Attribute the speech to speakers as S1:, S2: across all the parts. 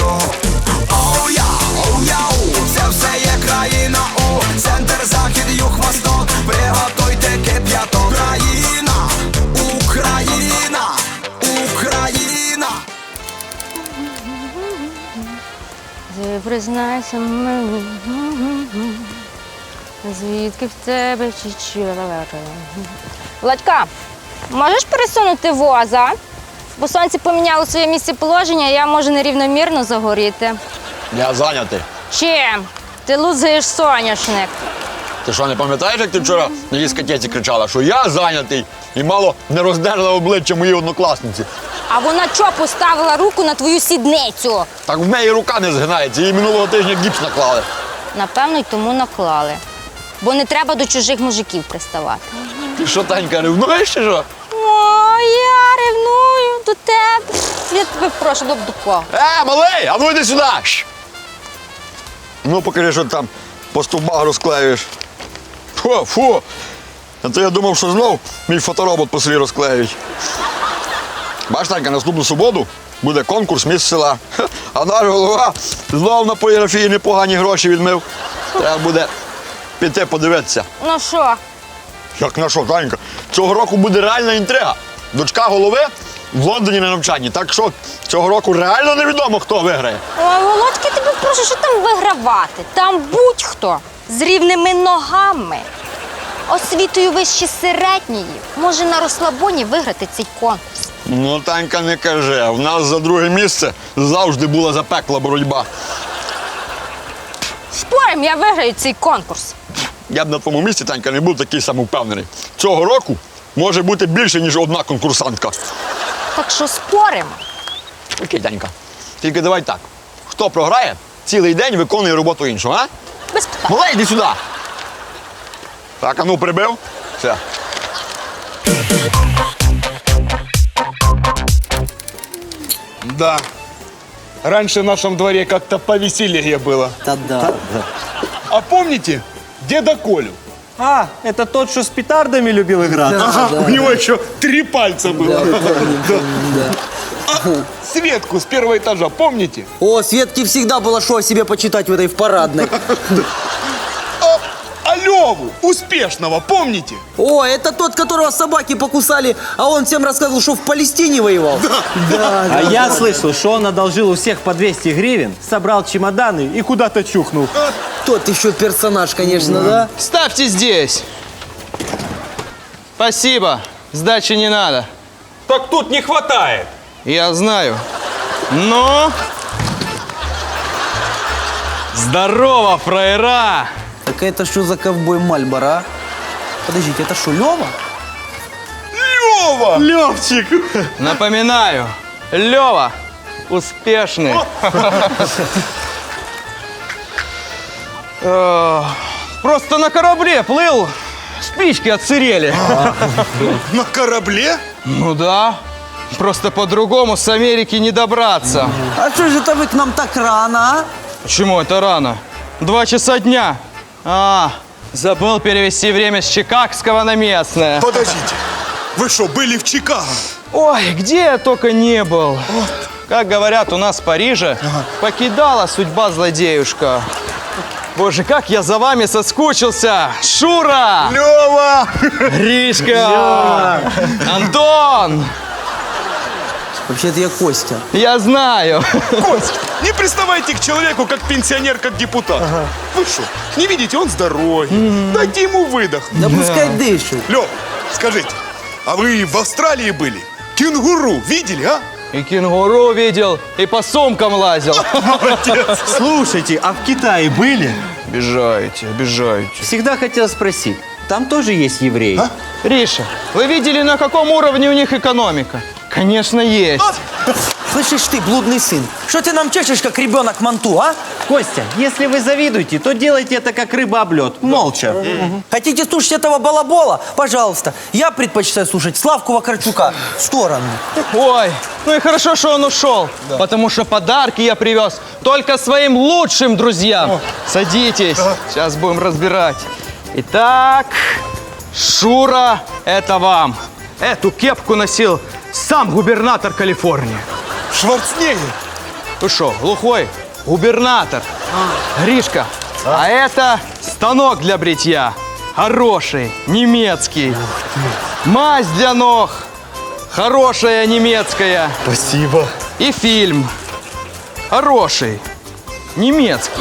S1: тобою. Оу-яу, це все є країна у центр, захід, юг, восток. Приготуйте кип'яток. Україна, Україна, Україна.
S2: Ти признайся мені, звідки в тебе чечила. Владька, можеш пересунути воза? Бо сонце поміняло своє місце положення, я можу нерівномірно загоріти.
S3: Я зайнятий.
S2: Чим? Ти лузаєш соняшник.
S3: Ти що, не пам'ятаєш, як ти вчора на дискотеці кричала, що я зайнятий і мало не роздерла обличчя моїй однокласниці?
S2: А вона чого поставила руку на твою сідницю?
S3: Так в неї рука не згинається, їй минулого тижня гіпс наклали.
S2: Напевно, й тому наклали. Бо не треба до чужих мужиків приставати.
S3: Ти що, Танька, ревнуєш чи що?
S2: О, я ревную до тебе. Я тебе прошу, до кого?
S3: Малий, а ну йди сюди! Ну, покажи, що ти там по стовбах розклеюєш. Фу! А то я думав, що знов мій фоторобот по селі розклеюють. Бачиш, Танька, наступну суботу буде конкурс «Міс села». А наш голова знов на поліграфії непогані гроші відмив. Треба буде піти подивитися.
S2: Ну що?
S3: Як на що, Танька? Цього року буде реальна інтрига. Дочка голови в Лондоні на навчанні. Так що цього року реально невідомо, хто виграє.
S2: Ой, Володька, тебе прошу, що там вигравати? Там будь-хто з рівними ногами, освітою вище середньої, може на розслабоні виграти цей конкурс.
S3: Ну, Танька, не кажи. В нас за друге місце завжди була запекла боротьба.
S2: Спорим, я виграю цей конкурс.
S3: Я б на твоєму місці, Танька, не був такий самовпевнений. Цього року може бути більше, ніж одна конкурсантка.
S2: Так що споримо.
S3: Окей, Танька. Тільки давай так. Хто програє, цілий день виконує роботу іншого, а?
S2: Без питань.
S3: Малий, йди сюди. Так, а ну прибив. Все.
S4: Да. Раньше в нашем дворе как-то повеселее было.
S5: Да.
S4: А помните деда Колю?
S5: А, это тот, что с петардами любил играть?
S4: У него еще 3 пальца было. А Светку с первого этажа, помните?
S6: О, Светке всегда было что о себе почитать в этой в парадной.
S4: А Леву, успешного, помните?
S6: О, это тот, которого собаки покусали, а он всем рассказывал, что в Палестине воевал.
S5: А я слышал, что он одолжил у всех по 200 гривен, собрал чемоданы и куда-то чухнул.
S6: Тот еще персонаж, конечно, да?
S7: Ставьте здесь. Спасибо. Сдачи не надо.
S8: Так тут не хватает.
S7: Я знаю. Ну? Здорово, фраера!
S6: Так это что за ковбой Мальборо, а? Подождите, это что, Лева?
S4: Лева!
S5: Левчик!
S7: Напоминаю, Лева успешный. Просто на корабле плыл, спички отсырели.
S4: На корабле?
S7: Ну да, просто по-другому с Америки не добраться.
S6: А что же это вы к нам так рано, а?
S7: Почему это рано? 2 часа дня. Забыл перевести время с чикагского на местное.
S4: Подождите, вы что, были в Чикаго?
S7: Ой, где я только не был. Как говорят у нас в Париже, покидала судьба злодеюшка. Боже, как я за вами соскучился! Шура!
S4: Лева!
S7: Гришка! Антон!
S6: Вообще-то я Костя.
S7: Я знаю.
S4: Кость, не приставайте к человеку, как пенсионер, как депутат. Вы что, не видите, он с дороги. Дайте ему выдох.
S6: Да пускай дышит.
S4: Лев, скажите, а вы в Австралии были? Кенгуру видели, а?
S7: И кенгуру видел, и по сумкам лазил.
S5: Слушайте, а в Китае были?
S7: Обижаете, обижаете.
S5: Всегда хотел спросить, там тоже есть евреи?
S7: Риша, вы видели, на каком уровне у них экономика? Конечно, есть.
S6: Слышишь ты, блудный сын, что ты нам чешешь, как ребенок манту, а?
S5: Костя, если вы завидуете, то делайте это как рыба об лед, молча.
S6: Хотите слушать этого балабола? Пожалуйста. Я предпочитаю слушать Славку Вакарчука. В сторону.
S7: Ой, ну и хорошо, что он ушел, потому что подарки я привез только своим лучшим друзьям. Садитесь, сейчас будем разбирать. Итак, Шура, это вам. Эту кепку носил сам губернатор Калифорнии.
S4: Шварценеггер.
S7: Вы что, глухой? Губернатор. Гришка, а это станок для бритья. Хороший, немецкий. Мазь для ног. Хорошая немецкая.
S9: Спасибо.
S7: И фильм. Хороший, немецкий.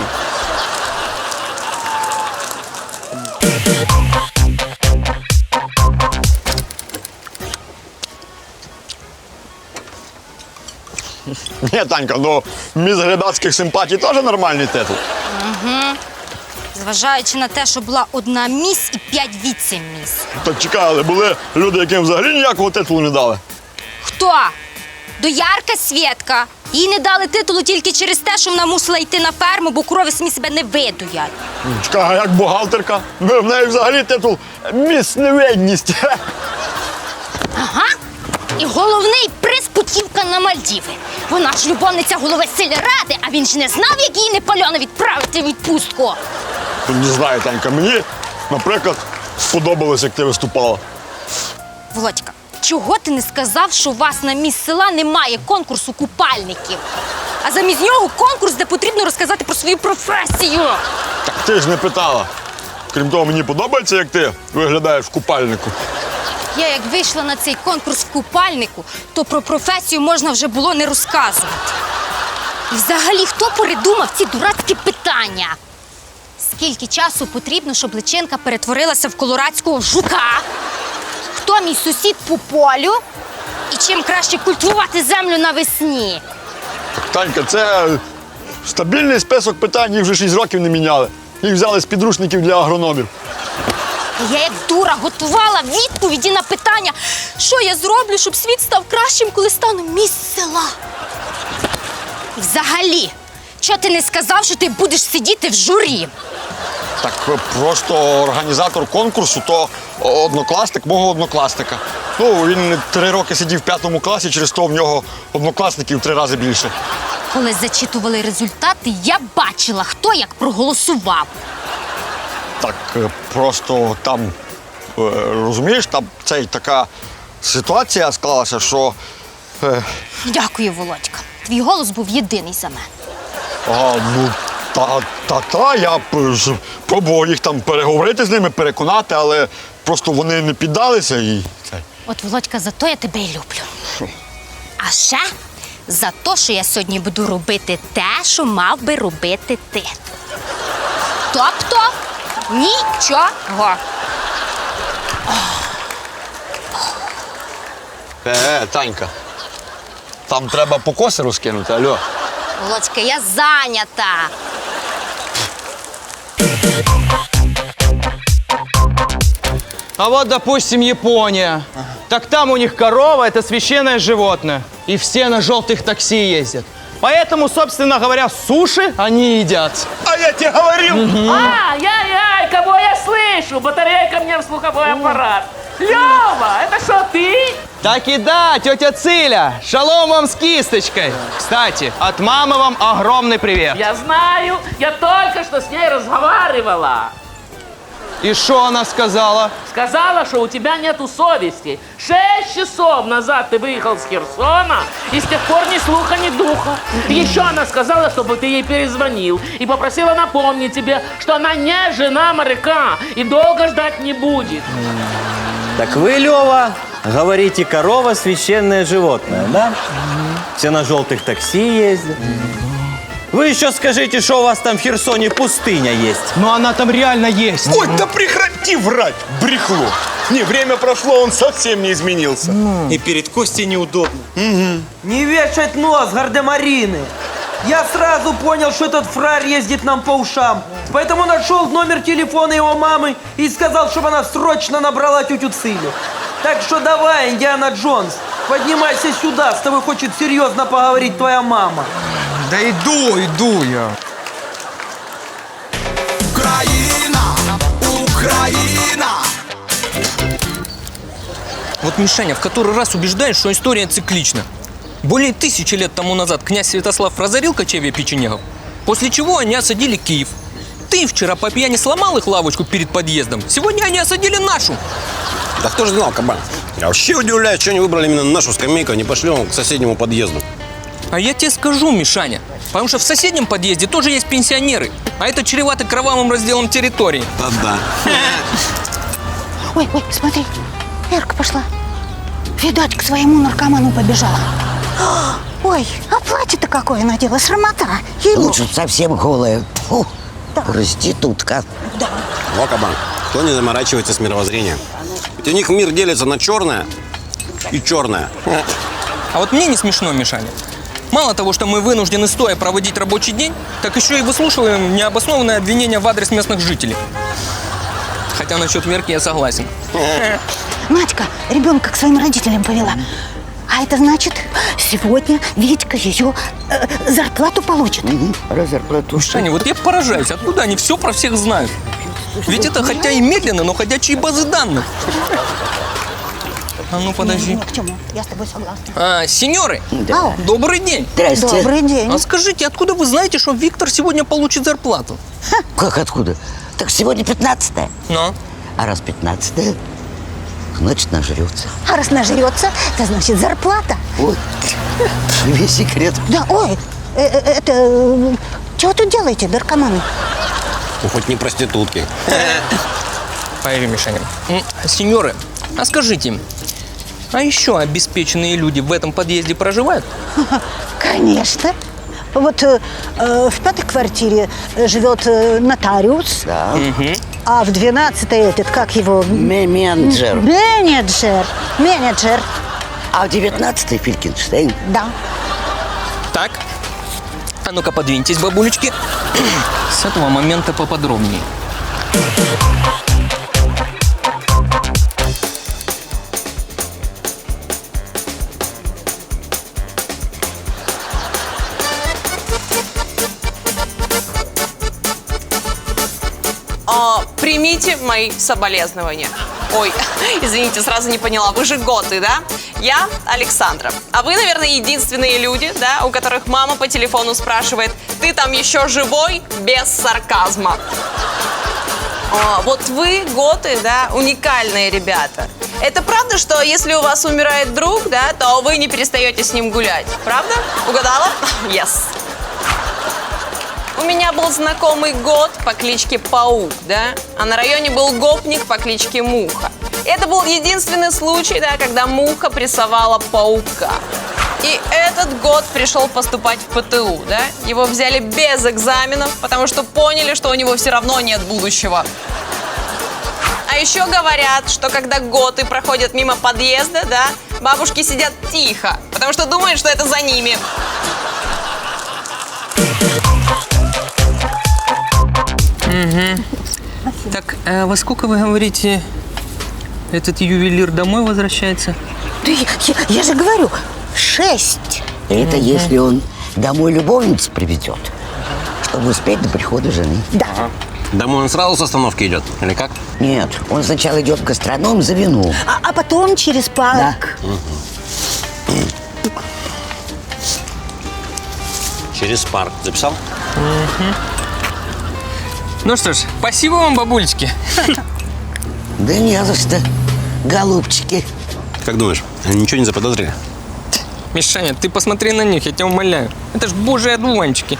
S3: Ні, Танька, ну міс глядацьких симпатій теж нормальний титул.
S2: Зважаючи на те, що була одна міс і 5 віце-міс.
S3: Так чекай, але були люди, яким взагалі ніякого титулу не дали.
S2: Хто? Доярка Свєтка. Їй не дали титулу тільки через те, що вона мусила йти на ферму, бо корови самі себе не видуять.
S3: Чекай, а як бухгалтерка? В неї взагалі титул міс невинність.
S2: Ага. І головний приз путівка на Мальдіви. Вона ж любовниця голови сільради, а він ж не знав, як її Непальона відправити в відпустку.
S3: Не знаю, Танька, мені, наприклад, сподобалось, як ти виступала.
S2: Володька, чого ти не сказав, що у вас на міс села немає конкурсу купальників? А замість нього конкурс, де потрібно розказати про свою професію.
S3: Так ти ж не питала. Крім того, мені подобається, як ти виглядаєш в купальнику.
S2: Я як вийшла на цей конкурс в купальнику, то про професію можна вже було не розказувати. І взагалі, хто придумав ці дурацькі питання? Скільки часу потрібно, щоб личинка перетворилася в колорадського жука? Хто мій сусід по полю? І чим краще культивувати землю навесні?
S3: Танька, це стабільний список питань, їх вже 6 років не міняли. Їх взяли з підручників для агрономів.
S2: Я як дура готувала відповіді на питання, що я зроблю, щоб світ став кращим, коли стану міс села. І взагалі, чого ти не сказав, що ти будеш сидіти в журі?
S3: Так просто організатор конкурсу то однокласник мого однокласника. Ну, він 3 роки сидів в 5 класі, через то в нього однокласників 3 рази більше.
S2: Коли зачитували результати, я бачила, хто як проголосував.
S3: Так просто там, розумієш, там така ситуація склалася, що...
S2: Дякую, Володька. Твій голос був єдиний за мене.
S3: Ну, я пробував їх там переговорити з ними, переконати, але просто вони не піддалися і...
S2: От, Володька, за то я тебе і люблю. А ще за те, що я сьогодні буду робити те, що мав би робити ти. Тобто нічого.
S3: Танька, там треба покоси розкинути, алло.
S2: Володька, я зайнята.
S7: А вот, допустим, Япония. Так там у них корова – это священное животное. И все на желтых такси ездят. Поэтому, собственно говоря, суши они едят.
S4: А я тебе говорил!
S10: Ай-яй-яй, кого я слышу? Батарейка мне в слуховой аппарат. Лёва, это что, ты?
S7: Так и да, тетя Циля, шалом вам с кисточкой. Кстати, от мамы вам огромный привет.
S10: Я знаю, я только что с ней разговаривала.
S7: И что она сказала?
S10: Сказала, что у тебя нету совести. 6 часов назад ты выехал с Херсона, и с тех пор ни слуха, ни духа. Еще она сказала, чтобы ты ей перезвонил, и попросила напомнить тебе, что она не жена моряка, и долго ждать не будет.
S5: Так вы, Лёва, говорите, корова священное животное, да? Все на желтых такси ездят. Вы еще скажите, что у вас там в Херсоне пустыня есть.
S7: Но она там реально есть.
S4: Ой, да прекрати врать, брехло. Не, время прошло, он совсем не изменился.
S9: И перед Костей неудобно.
S6: Не вешать нос, гардемарины. Я сразу понял, что этот фраер ездит нам по ушам. Поэтому нашел номер телефона его мамы и сказал, чтобы она срочно набрала тетю Цилю. Так что давай, Индиана Джонс, поднимайся сюда, с тобой хочет серьезно поговорить твоя мама.
S7: Да иду я.
S1: Україна, Україна.
S11: Вот, Мишаня, в который раз убеждаешь, что история циклична. Более 1000 лет тому назад князь Святослав разорил кочевья печенегов, после чего они осадили Киев. Ты вчера по пьяни сломал их лавочку перед подъездом, сегодня они осадили нашу.
S12: Да кто же знал, кабан? Я вообще удивляюсь, что они выбрали именно нашу скамейку, а не пошли он к соседнему подъезду.
S11: А я тебе скажу, Мишаня, потому что в соседнем подъезде тоже есть пенсионеры, а это чревато кровавым разделом территории.
S9: Да.
S12: Ой, смотри, Эрка пошла. Видать, к своему наркоману побежала. Ой, а платье-то какое надела, срамота.
S13: Лучше б совсем голая. Фу, проститутка.
S12: Да.
S9: Во, кабан, кто не заморачивается с мировоззрением? Ведь у них мир делится на черное и черное.
S11: А вот мне не смешно, Мишаня. Мало того, что мы вынуждены стоя проводить рабочий день, так еще и выслушиваем необоснованные обвинения в адрес местных жителей. Хотя насчет Верки я согласен.
S12: Надька ребенка к своим родителям повела. А это значит, сегодня Витька ее зарплату получит.
S13: Зарплату.
S11: Мишаня, вот я поражаюсь, откуда они все про всех знают? Ведь это хотя и медленно, но ходячие базы данных. А ну подожди.
S12: Ни к чему, я с тобой согласна.
S11: Сеньоры,
S12: Да.
S11: добрый день.
S13: Здрасте.
S12: Добрый день.
S11: А скажите, откуда вы знаете, что Виктор сегодня получит зарплату?
S13: Как откуда? Так сегодня 15-е.
S11: Ну?
S13: А раз 15-е, значит нажрется.
S12: А раз нажрется, это значит зарплата.
S13: Вот. Весь секрет.
S12: Да, ой, чего тут делаете, наркоманы?
S9: Ну, хоть не проститутки.
S11: Поверь, Мишаня. Сеньоры, а скажите, а еще обеспеченные люди в этом подъезде проживают?
S12: Конечно. Вот в 5-й квартире живет нотариус,
S13: Да.
S12: а в 12-й этот, как его?
S13: Менеджер.
S12: Менеджер.
S13: А в 19-й Филькенштейн.
S12: Да.
S11: Так, а ну-ка подвиньтесь, бабулечки. С этого момента поподробнее.
S14: Примите мои соболезнования. Ой, извините, сразу не поняла. Вы же готы, да? Я Александра. А вы, наверное, единственные люди, да, у которых мама по телефону спрашивает: ты там еще живой? Без сарказма. Вот вы, готы, да, уникальные ребята. Это правда, что если у вас умирает друг, да, то вы не перестаете с ним гулять? Правда? Угадала? Yes. У меня был знакомый гот по кличке Паук, да? А на районе был гопник по кличке Муха. И это был единственный случай, да, когда Муха прессовала паука. И этот год пришел поступать в ПТУ, да? Его взяли без экзаменов, потому что поняли, что у него все равно нет будущего. А еще говорят, что когда готы проходят мимо подъезда, да, бабушки сидят тихо, потому что думают, что это за ними.
S11: Так, а во сколько, вы говорите, этот ювелир домой возвращается?
S12: Да я же говорю, 6.
S13: Это если он домой любовницу приведет, чтобы успеть до прихода жены.
S12: Да.
S9: Домой он сразу с остановки идет? Или как?
S13: Нет, он сначала идет в гастроном за вино.
S12: А потом через парк.
S13: Да.
S9: Через парк. Записал?
S11: Ну что ж, спасибо вам, бабулечки.
S13: Да не за что, голубчики.
S9: Как думаешь, они ничего не заподозрили?
S11: Мишаня, ты посмотри на них, я тебя умоляю. Это ж божьи одуванчики.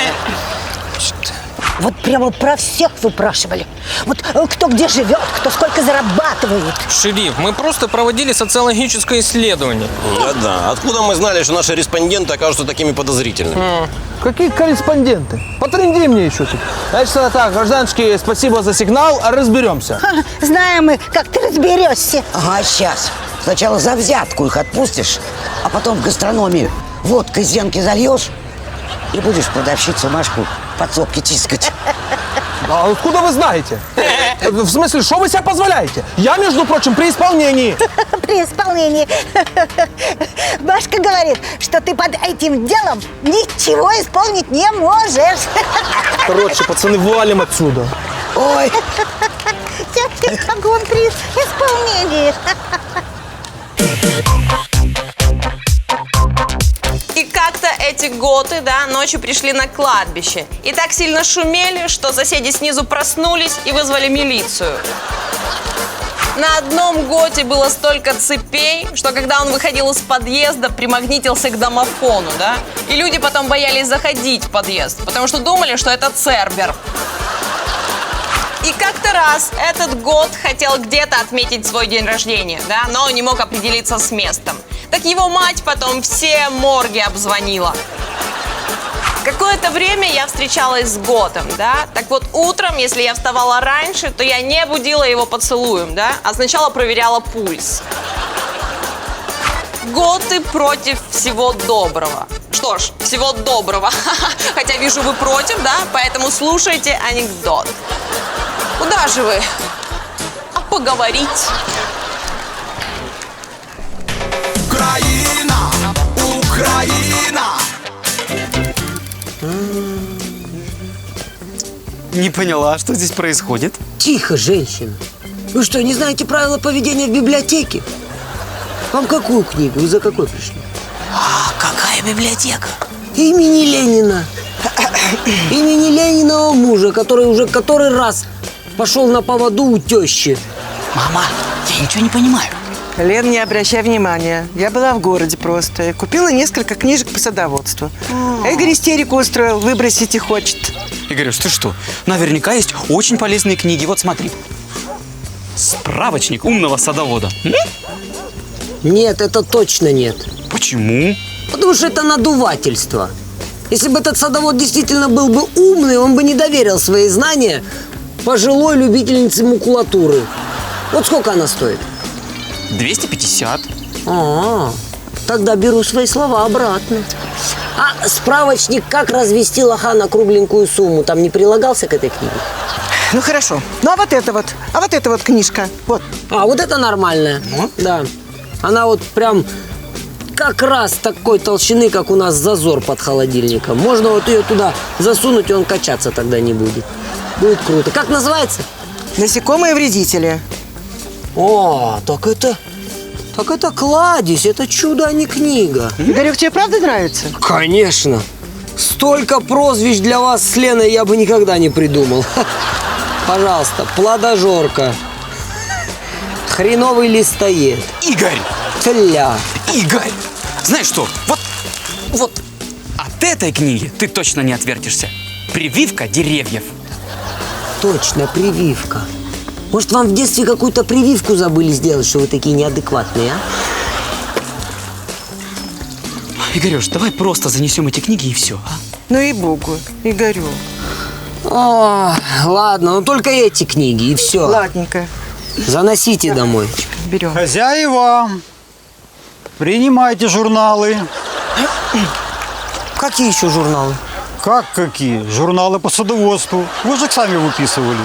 S12: Вот прямо про всех выпрашивали. Вот кто где живет, кто сколько зарабатывает.
S11: Шериф, мы просто проводили социологическое исследование.
S9: Да. Откуда мы знали, что наши респонденты окажутся такими подозрительными?
S7: Какие корреспонденты? Потренди мне еще тут. Значит, так, гражданочки, спасибо за сигнал, а разберемся.
S12: Знаем мы, как ты разберешься.
S13: Ага, сейчас. Сначала за взятку их отпустишь, а потом в гастрономе водкой зенки зальешь и будешь продавщицу Машку подсобки тискать.
S7: А откуда вы знаете? В смысле, что вы себе позволяете? Я, между прочим, при исполнении.
S12: При исполнении. Башка говорит, что ты под этим делом ничего исполнить не можешь.
S7: Короче, пацаны, валим отсюда.
S13: Ой.
S12: Как он при исполнении.
S14: И как-то эти готы, да, ночью пришли на кладбище. И так сильно шумели, что соседи снизу проснулись и вызвали милицию. На одном готе было столько цепей, что когда он выходил из подъезда, примагнитился к домофону, да? И люди потом боялись заходить в подъезд, потому что думали, что это Цербер. И как-то раз этот гот хотел где-то отметить свой день рождения, да, но не мог определиться с местом. Так его мать потом все морги обзвонила. Какое-то время я встречалась с готом, да. Так вот, утром, если я вставала раньше, то я не будила его поцелуем, да, а сначала проверяла пульс. Готы против всего доброго. Что ж, всего доброго. Хотя вижу, вы против, да, поэтому слушайте анекдот. Куда же вы? А поговорить?
S1: Украина, Украина.
S15: Не поняла, что здесь происходит?
S6: Тихо, женщина. Вы что, не знаете правила поведения в библиотеке? Вам какую книгу? Вы за какой пришли?
S15: А какая библиотека?
S6: Имени Ленина. Имени Лениного мужа, который уже который раз пошел на поводу у тещи.
S15: Мама, я ничего не понимаю.
S16: Лен, не обращай внимания. Я была в городе просто. И купила несколько книжек по садоводству. Игорь истерику устроил, выбросить и хочет.
S15: Игорюш, ты что? Наверняка есть очень полезные книги. Вот смотри. Справочник умного садовода.
S6: Нет, это точно нет.
S15: Почему?
S6: Потому что это надувательство. Если бы этот садовод действительно был бы умный, он бы не доверил свои знания пожилой любительнице макулатуры. Вот сколько она стоит?
S15: 250.
S6: Тогда беру свои слова обратно. А справочник «Как развести лоха на кругленькую сумму» там не прилагался к этой книге?
S16: Ну хорошо. Ну а вот это вот книжка. Вот.
S6: А, вот это нормальная. Да. Она вот прям как раз такой толщины, как у нас зазор под холодильником. Можно вот ее туда засунуть, и он качаться тогда не будет. Будет круто. Как называется?
S16: «Насекомые-вредители».
S6: О, так это кладезь, это чудо, а не книга.
S16: Игорек, тебе правда нравится?
S6: Конечно. Столько прозвищ для вас с Леной я бы никогда не придумал. Пожалуйста, плодожорка. Хреновый листоед.
S15: Игорь!
S6: Тля.
S15: Игорь! Знаешь что? Вот от этой книги ты точно не отвертишься. Прививка деревьев.
S6: Точно, прививка. Может, вам в детстве какую-то прививку забыли сделать, что вы такие неадекватные, а?
S15: Игорюш, давай просто занесем эти книги и все, а?
S16: Ну и богу, Игорек.
S6: О, ладно, ну только эти книги и все.
S16: Ладненько.
S6: Заносите домой.
S16: Берем.
S17: Хозяева, принимайте журналы.
S6: Какие еще журналы?
S17: Как какие? Журналы по садоводству. Вы же их сами выписывали.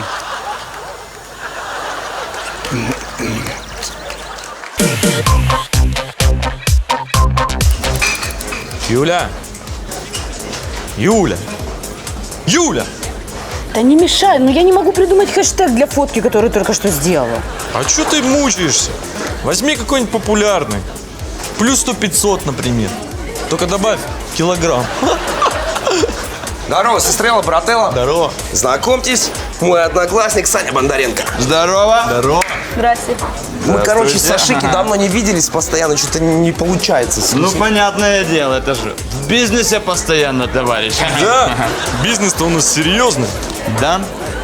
S8: Юля! Юля! Юля!
S18: Да не мешай, но я не могу придумать хэштег для фотки, который только что сделала.
S8: А что ты мучаешься? Возьми какой-нибудь популярный. Плюс 100-500, например. Только добавь килограмм.
S19: Здорово, сестрела, брателла.
S8: Здорово.
S19: Знакомьтесь, мой одноклассник Саня Бондаренко.
S8: Здорово. Здорово.
S18: Здрасте.
S19: Мы, короче, с Ашики давно не виделись, постоянно что-то не получается.
S20: Ну, понятное дело, это же в бизнесе постоянно, товарищ.
S8: Да, бизнес-то у нас серьезный.
S20: Да.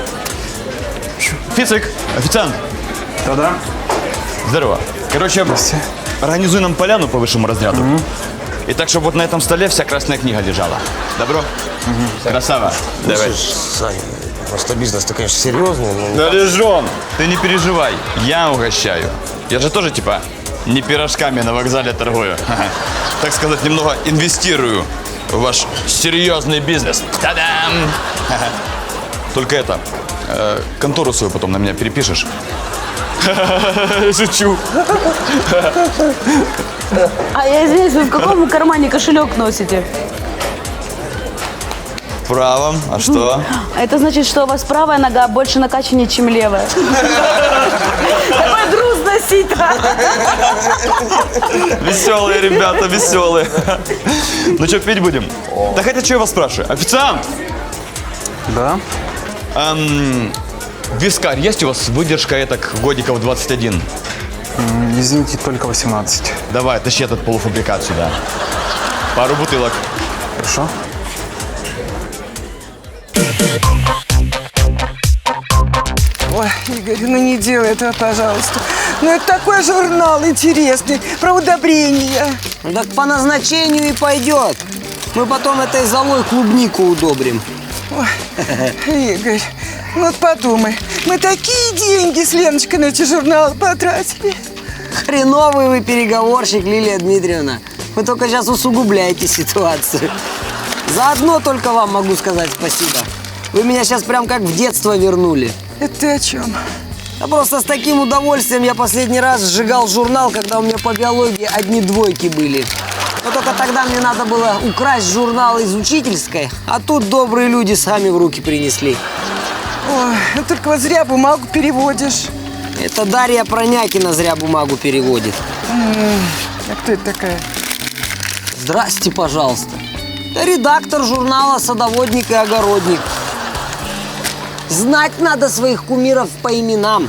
S20: Фицик, официант.
S17: Да-да.
S20: Здорово. Короче, организуй нам поляну по высшему разряду. И так, чтобы вот на этом столе вся красная книга лежала. Добро? Красава. Давай.
S19: Саня, просто бизнес-то, конечно, серьезный, но...
S20: Да, Лежон, ты не переживай, я угощаю. Я же тоже, типа, не пирожками на вокзале торгую. Так сказать, немного инвестирую в ваш серьезный бизнес. Та-дам! Только это, контору свою потом на меня перепишешь. Шучу.
S18: А я извиняюсь, вы в каком кармане кошелек носите?
S20: В правом, а что?
S18: Это значит, что у вас правая нога больше накачаннее, чем левая. Такой груз носить-то.
S20: Веселые ребята, веселые. Ну что, пить будем? Да хотя, что я вас спрашиваю? Официант!
S17: Да?
S20: Вискарь, есть у вас выдержка этак годиков 21?
S21: Извините, только 18.
S20: Давай, тащи этот полуфабрикат сюда. Пару бутылок.
S21: Хорошо.
S16: Ой, Игорь, ну не делай этого, пожалуйста. Ну это такой журнал интересный, про удобрения.
S22: Так по назначению и пойдет. Мы потом этой золой клубнику удобрим.
S16: Ой, Игорь, ну вот подумай, мы такие деньги с Леночкой на эти журналы потратили.
S22: Хреновый вы переговорщик, Лилия Дмитриевна. Вы только сейчас усугубляете ситуацию. Заодно только вам могу сказать спасибо. Вы меня сейчас прям как в детство вернули.
S16: Это ты о чем?
S22: Да просто с таким удовольствием я последний раз сжигал журнал, когда у меня по биологии одни двойки были. Но только тогда мне надо было украсть журнал из учительской, а тут добрые люди сами в руки принесли.
S16: Ой, ну только вот зря бумагу переводишь.
S22: Это Дарья Пронякина зря бумагу переводит.
S16: А кто это такая?
S22: Здрасте, пожалуйста. Это редактор журнала «Садоводник и огородник». Знать надо своих кумиров по именам.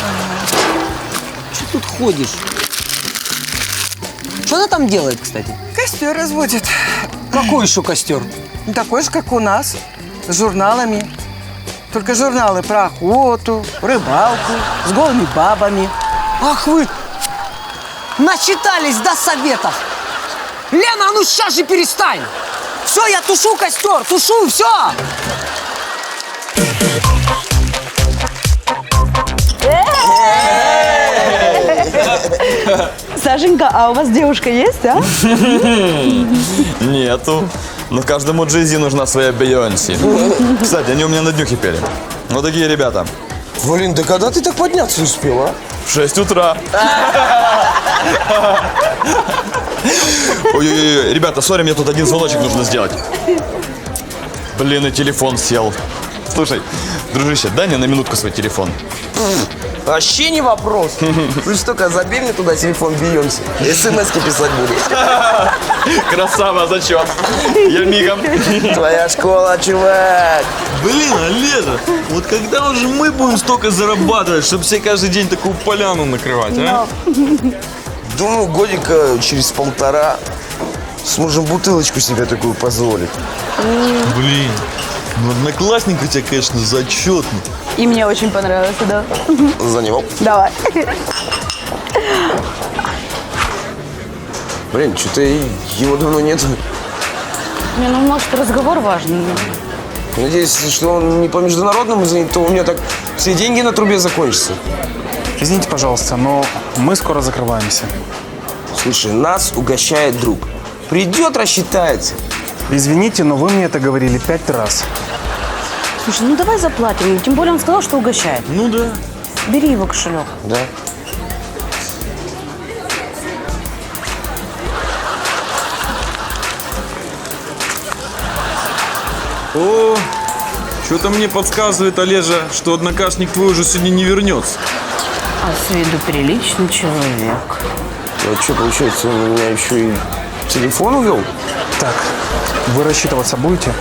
S22: Что тут ходишь? Что она там делает, кстати?
S16: Костер разводит.
S22: Какой еще костер?
S16: Ну, такой же, как у нас. С журналами. Только журналы про охоту, рыбалку, с голыми бабами.
S22: Ах вы! Начитались до советов! Лена, а ну сейчас же перестань! Все, я тушу костер, тушу, все!
S18: Сашенька, а у вас девушка есть, а?
S20: Нету. Но каждому Джей-Зи нужна своя Бейонси. Кстати, они у меня на днюхе пели. Вот такие ребята.
S19: Блин, да когда ты так подняться успел, а?
S20: В 6 утра. Ой-ой-ой, ребята, сори, мне тут один звоночек нужно сделать. Блин, и телефон сел. Слушай, дружище, дай мне на минутку свой телефон.
S19: Вообще не вопрос. Ты что, только забей мне туда телефон Бейонси. СМС-ки писать буду.
S20: Красава, зачет. Я мигом.
S19: Твоя школа, чувак.
S8: Блин, Олежа, вот когда уже мы будем столько зарабатывать, чтобы себе каждый день такую поляну накрывать, а?
S19: Думаю, годика через полтора сможем бутылочку себе такую позволить.
S8: Блин, ну одноклассник у тебя, конечно, зачетный.
S18: И мне очень понравился, да.
S19: За него.
S18: Давай.
S19: Блин, что-то его давно нет.
S18: Не, ну может разговор важный.
S19: Надеюсь, что он не по международному звонит, то у меня так все деньги на трубе закончатся.
S21: Извините, пожалуйста, но мы скоро закрываемся.
S19: Слушай, нас угощает друг. Придет, рассчитается.
S21: Извините, но вы мне это говорили 5 раз.
S18: Слушай, ну давай заплатим. Тем более он сказал, что угощает.
S8: Ну да.
S18: Бери его кошелек.
S19: Да.
S8: О, что-то мне подсказывает, Олежа, что однокашник твой уже сегодня не вернется.
S18: А с виду приличный человек.
S19: Вот что, получается, он у меня еще и телефон увел?
S21: Так, вы рассчитываться будете?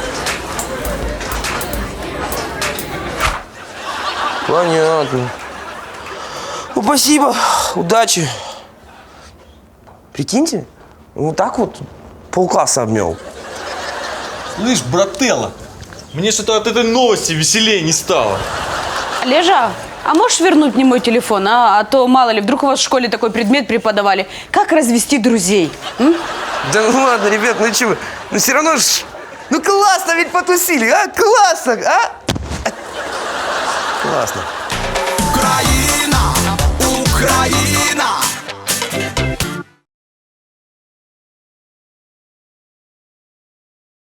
S19: Понятно. Ну, спасибо. Удачи. Прикиньте, вот так вот полкласса обмел.
S8: Слышь, брателло, мне что-то от этой новости веселее не стало.
S18: Олежа, а можешь вернуть мне мой телефон, а? А то, мало ли, вдруг у вас в школе такой предмет преподавали. Как развести друзей? М?
S19: Да ну ладно, ребят, ну чего? Ну все равно ж... Ну классно ведь потусили, а? Классно, а? Классно.
S1: Украина, Украина.